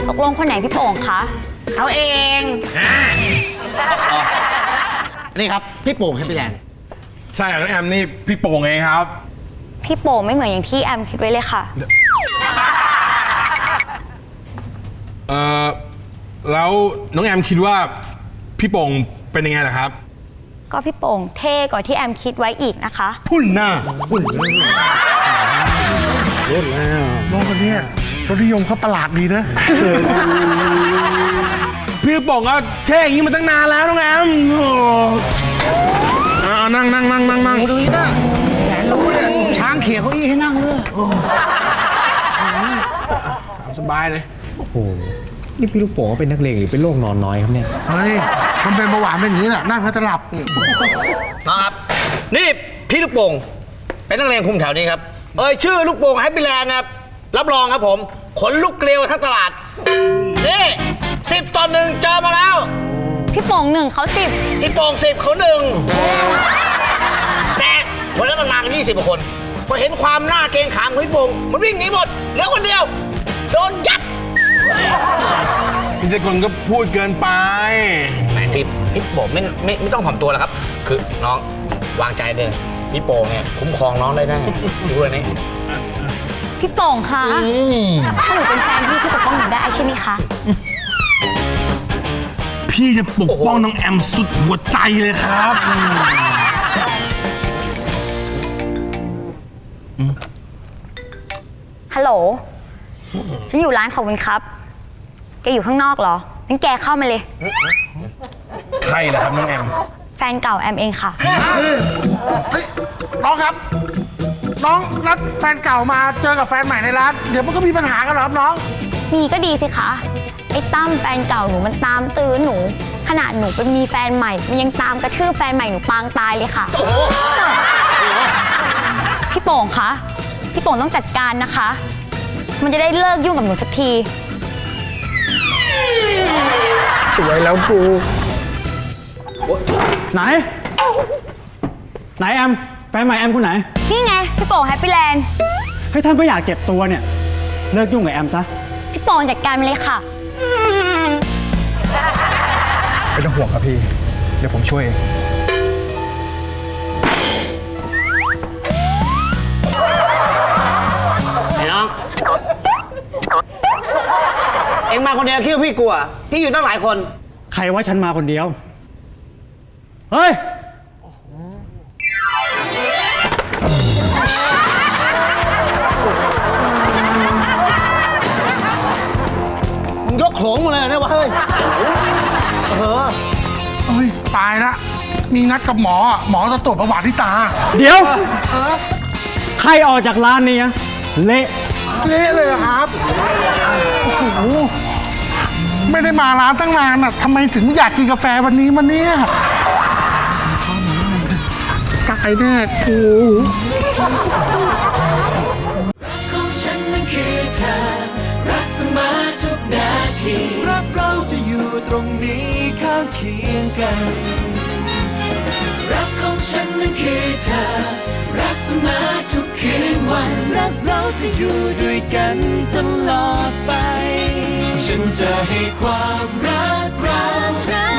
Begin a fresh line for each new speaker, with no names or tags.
ตกลงคนไหนพี่โป่งคะ
เขาเองนี่ครับพี่โป่งแฮปปี้แลนด์
ใช่น้องแอมนี่พี่โป่งเองครับ
พี่โป่งไม่เหมือนอย่างที่แอมคิดไว้เลยค่ะ
แล้วน้องแอมคิดว่าพี่โป่งเป็นยังไงล่ะครับ
ก็พี่โป่งเท่กว่าที่แอมคิดไว้อีกนะคะ
พุ่นหน้า
รุ่นแล้วน้องคนนี้รสนิยมเขาประหลาดดีนะ
พี่โป่งก็เท่อย่างนี้มาตั้งนานแล้วน้องแอมนั่ง
ดูนี่นะแสนรู้เนี่ยช้างเขี่ยเก้าอี้ให้นั่งด้วย
สบายเลย
โอ้โหนี่พี่ลูกโป่งเป็นนักเลงหรือเป็นโรคนอนน้อยครับเนี่ย
เฮ้ยมันเป็นเบาหวานเป็นอย่างนี้แหละนั่งแล้วจะหลับ
นะครับนี่พี่ลูกโป่งเป็นนักเลงคุมแถวนี้ครับชื่อลูกโป่งแฮปปี้แลนด์นะครับรับรองครับผมขนลุกเกลียวทั้งตลาดนี่10 ต่อ 1เจอมาแล้ว
พี่โป่ง1เขา10
พี่โป่ง10เขา1แต่วันนั้นมันมากัน20 กว่าคนพอเห็นความหน้าเกรงขามของพี่โป่งมันวิ่งหนีหมดเหลือคนเดียวโดนยับ
พี่เจคนก็พูดเกินไป
แหมพี่โป่งไม่ต้องถ่อมตัวแล้วครับคือน้องวางใจเลยพี่โป่งเนี่ยคุ้มครองน้องได้ดูเลยนี่
พี่โป่งคะถ้าหนูเป็นแฟนพี่ปกป้องหนูได้ใช่ไหมคะ
พี่จะปกป้องน้องแอมสุดหัวใจเลยครับ
ฮัลโหลฉันอยู่ร้านขอบคุณครับแกอยู่ข้างนอกเหรองั้นแกเข้ามาเลย
ใครล่ะครับน้องแอม
แฟนเก่าแอมเองค่ะ
น้องครับน้องนัดแฟนเก่ามาเจอกับแฟนใหม่ในร้านเดี๋ยวมันก็มีปัญหากันหรอครับน้อง
มีก็ดีสิคะไอ้ตั้มแฟนเก่าหนูมันตามตื้อหนูขนาดหนูไปมีแฟนใหม่มันยังตามกระทืบแฟนใหม่หนูปางตายเลยค่ะพี่โป่งคะพี่โป่งต้องจัดการนะคะมันจะได้เลิกยุ่งกับหนูสักที
สวยแล้วกู
ไหนแอมแฟนใหม่แอมคนไหน
นี่ไงพี่โป่งแฮปปี้แลนด์
ให้ท่านไม่อยากเจ็บตัวเนี่ยเลิกยุ่งกับแอมซะ
พี่โป่งจัดการมาเลยค่ะ
ไม่ต้องห่วงครับพี่เดี๋ยวผมช่วย
ไอ้น้องเอ็งมาคนเดียวคิดว่าพี่กลัวพี่อยู่ตั้งหลายคน
ใครว่าฉันมาคนเดียวเฮ้ย
มึงยกโขลงมาเลยเนี่ยวะเฮ้ย
ตายละมีนัดกับหมอหมอจะตรวจประวัติที่ตา
เดี๋ยวใครออกจากร้านนี้เละ
เลยครับโอ้โหไม่ได้มาร้านตั้งนานอ่ะทำไมถึงอยากกินกาแฟวันนี้มาเนี่ยกายแน่กู
ของฉันนั้นคือเธอรักเสมอทุกนาทีรักเราจะอยู่ตรงนี้ข้างเคียงกันรักของฉันนั้นคือเธอรักเสมอทุกคืนวันรักเราจะอยู่ด้วยกันตลอดไปฉันจะให้ความรัก